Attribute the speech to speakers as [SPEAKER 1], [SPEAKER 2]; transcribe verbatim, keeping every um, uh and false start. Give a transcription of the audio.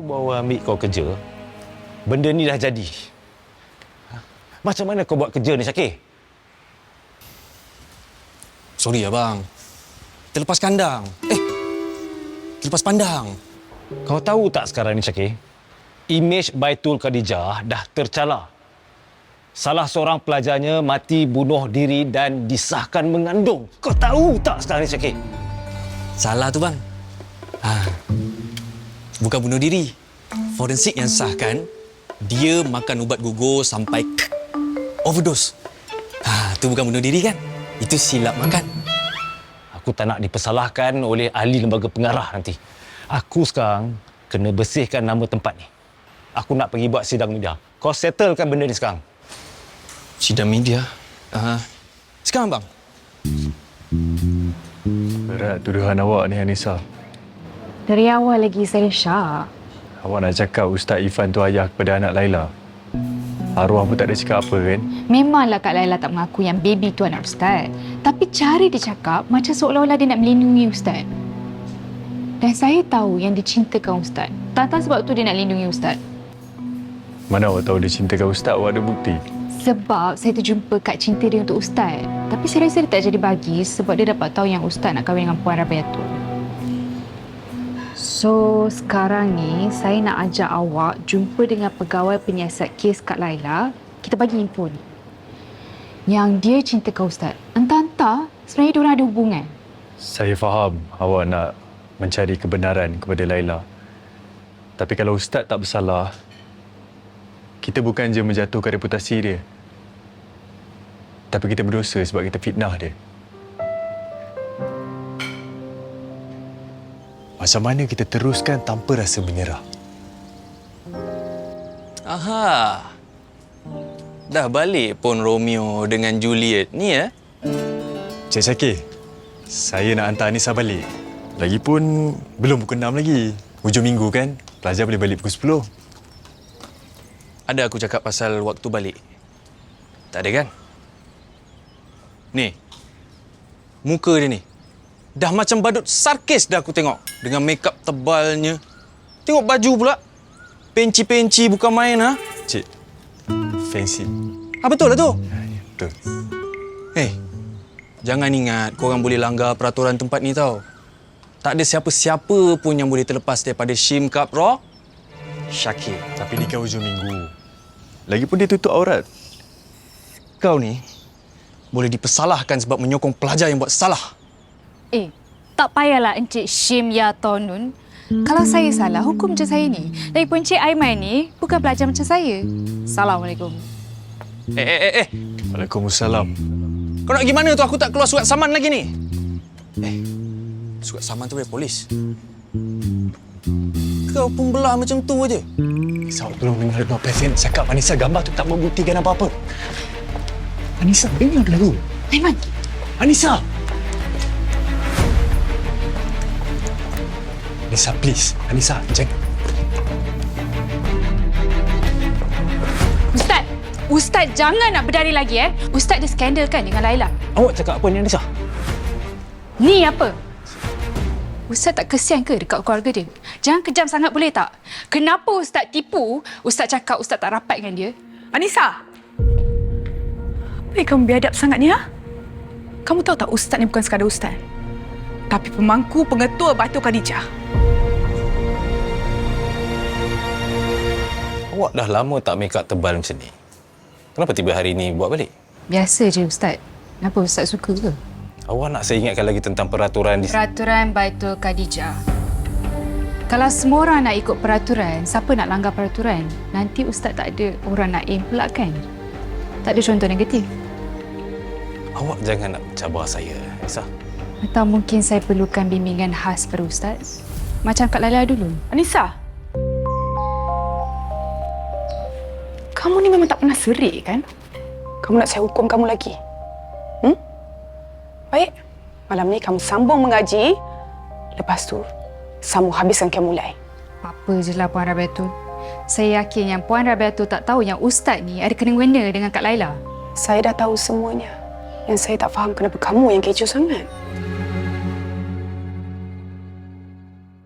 [SPEAKER 1] bawa ambil kau kerja, benda ni dah jadi. Macam mana kau buat kerja ni, Syakir?
[SPEAKER 2] Sorry, abang. Terlepas kandang. Eh, terlepas pandang.
[SPEAKER 1] Kau tahu tak sekarang ni, Syakir? Imej Baitul Khadijah dah tercalar. Salah seorang pelajarnya mati bunuh diri dan disahkan mengandung. Kau tahu tak sekarang ni, Syakir?
[SPEAKER 2] Salah tu, bang. Ha. Bukan bunuh diri. Forensik yang sahkan, dia makan ubat gugur sampai overdose. Ha, tu bukan bunuh diri kan? Itu silap makan.
[SPEAKER 1] Aku tak nak dipersalahkan oleh ahli lembaga pengarah nanti. Aku sekarang kena bersihkan nama tempat ni. Aku nak pergi buat sidang media. Kau settlekan benda ni sekarang.
[SPEAKER 2] Sidang media? Uh, sekarang, bang.
[SPEAKER 3] Berat tuduhan awak ni, Anissa.
[SPEAKER 4] Dari awal lagi saya syak.
[SPEAKER 3] Awak nak cakap Ustaz Ifan tu ayah kepada anak Laila. Arwah pun tak ada cakap apa kan?
[SPEAKER 4] Memanglah Kak Laila tak mengaku yang baby tu anak Ustaz. Tapi cara dia cakap macam seolah-olah dia nak melindungi Ustaz. Dan saya tahu yang dia cintakan Ustaz. Tak tahu sebab tu dia nak lindungi Ustaz.
[SPEAKER 3] Mana awak tahu dia cintakan Ustaz? Awak ada bukti?
[SPEAKER 4] Sebab saya terjumpa kad cinta dia untuk Ustaz. Tapi saya rasa dia tak jadi bagi sebab dia dapat tahu yang Ustaz nak kahwin dengan Puan Rabiatul. So, sekarang ni saya nak ajak awak jumpa dengan pegawai penyiasat kes Kak Laila. Kita bagi info ni. Yang dia cintakan Ustaz. Entah-entah sebenarnya diorang ada hubungan.
[SPEAKER 3] Saya faham awak nak mencari kebenaran kepada Laila. Tapi kalau Ustaz tak bersalah, kita bukan je menjatuhkan reputasi dia. Tapi kita berdosa sebab kita fitnah dia. Macam mana kita teruskan tanpa rasa menyerah?
[SPEAKER 2] Aha. Dah balik pun Romeo dengan Juliet ni, ya?
[SPEAKER 3] Cik Syakir, saya nak hantar Anissa balik. Lagipun, belum pukul enam lagi. Hujung minggu kan, pelajar boleh balik pukul sepuluh.
[SPEAKER 2] Ada aku cakap pasal waktu balik? Tak ada kan? Ni, muka dia ni. Dah macam badut sarkis dah aku tengok. Dengan makeup tebalnya. Tengok baju pula. Penci-penci bukan main, ha?
[SPEAKER 3] Cik, fancy.
[SPEAKER 2] Ah, betul lah tu.
[SPEAKER 3] Ya, ya, betul.
[SPEAKER 2] Hei, jangan ingat korang boleh langgar peraturan tempat ni tau. Tak ada siapa-siapa pun yang boleh terlepas daripada Shim Kapro Syakir.
[SPEAKER 3] Tapi ni kan hujung minggu. Lagipun dia tutup aurat.
[SPEAKER 2] Kau ni boleh dipersalahkan sebab menyokong pelajar yang buat salah.
[SPEAKER 4] Eh, tak payahlah Encik Shim Ya Tonun. Kalau saya salah, hukum je saya ni. Lagipun Encik Aiman ni bukan pelajar macam saya. Assalamualaikum.
[SPEAKER 2] Eh, eh, eh, eh.
[SPEAKER 3] Waalaikumsalam.
[SPEAKER 2] Kau nak pergi mana tu? Aku tak keluar surat saman lagi ni. Eh, surat saman tu dari polis. Kau pun belah macam tu aje.
[SPEAKER 3] Anissa, tolong dengar dulu apa yang cakap. Anissa, gambar tu tak membuktikan apa-apa. Anissa, dengar dulu.
[SPEAKER 4] Aiman.
[SPEAKER 3] Anissa! Anissa, please. Anissa, jangan.
[SPEAKER 4] Ustaz, Ustaz jangan nak berdari lagi eh. Ustaz ada skandal kan dengan Laila?
[SPEAKER 1] Awak cakap apa ni, Anissa?
[SPEAKER 4] Ni apa? Ustaz tak kesian ke dekat keluarga dia? Jangan kejam sangat boleh tak? Kenapa Ustaz tipu? Ustaz cakap Ustaz tak rapat dengan dia.
[SPEAKER 5] Anissa! Apa yang kamu biadab sangat ni, ha? Kamu tahu tak Ustaz ni bukan sekadar Ustaz? Tapi pemangku pengetua Baitul Khadijah.
[SPEAKER 1] Awak dah lama tak make up tebal macam ni. Kenapa tiba hari ni buat balik?
[SPEAKER 4] Biasa je Ustaz. Kenapa Ustaz suka ke?
[SPEAKER 1] Awak nak saya ingatkan lagi tentang peraturan di...
[SPEAKER 4] Peraturan Baitul Khadijah. Kalau semua orang nak ikut peraturan, siapa nak langgar peraturan? Nanti Ustaz tak ada orang nak aim pula kan? Tak ada contoh negatif.
[SPEAKER 1] Awak jangan nak cabar saya, Anissa.
[SPEAKER 4] Atau mungkin saya perlukan bimbingan khas pada Ustaz? Macam Kak Laila dulu.
[SPEAKER 5] Anissa! Kamu ni memang tak pernah serik, kan? Kamu nak saya hukum kamu lagi? Hmm? Baik. Malam ni kamu sambung mengaji. Lepas tu, sambung habiskan kamu mulai.
[SPEAKER 4] Apa je lah Puan Rabiatul. Saya yakin yang Puan Rabiatul tak tahu yang Ustaz ni ada kena-mengena dengan Kak Laila.
[SPEAKER 5] Saya dah tahu semuanya. Yang saya tak faham kenapa kamu yang kecoh sangat.